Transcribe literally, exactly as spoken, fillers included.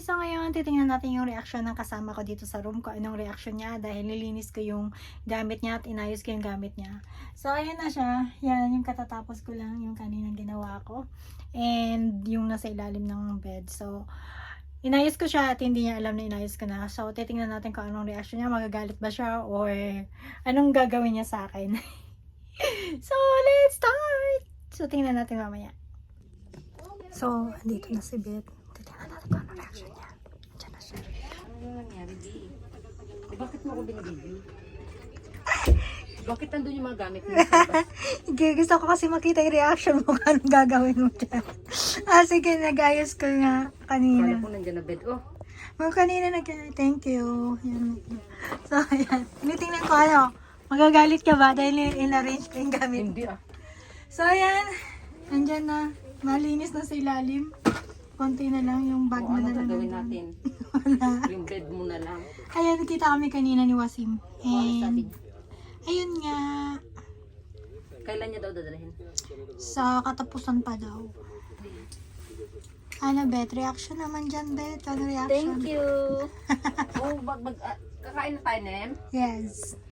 So ngayon, titingnan natin yung reaction ng kasama ko dito sa room ko. Anong reaction niya dahil nilinis ko yung gamit niya at inayos ko yung gamit niya. So ayan na siya. Yan yung katatapos ko lang yung kaninang ginawa ko. And yung nasa ilalim ng bed. So inayos ko siya at hindi niya alam na inayos ko na. So titingnan natin kung anong reaction niya. Magagalit ba siya or anong gagawin niya sa akin. So let's start! So tingnan natin mamaya. So andito na si Beth. Titingnan natin kung anong reaction niya. Diyan na siya. Ano nangyari, Di? Eh, bakit mo ako binibigyo? Bakit nandun yung mga gamit mo sa labas? Gusto ko kasi makita yung reaction mo kung anong gagawin mo dyan. Ah, sige, nag-ayos ko nga kanina. Kala ko nandyan na bed. Oh, Mga kanina nag thank you. Yan. So, ayan. Tinitingnan ko ano, magagalit ka ba dahil in-arrange ko yung gamit? hindi ah. So, ayan. Nandyan na. Malinis na sa ilalim. Konti na lang yung bag O, mo ano na lang. gagawin nandun. natin? Wala. Yung bed mo na lang. Ayan, nakita kami kanina ni Wasim. O, ano sabi And, niya? ayun nga, Kailan niya daw dadalhin? sa katapusan pa daw. Ano, Bet? Reaction naman dyan, Bet. Ano reaction? you! oh, bag, bag, ah, kakain na tayo, Nem? Yes.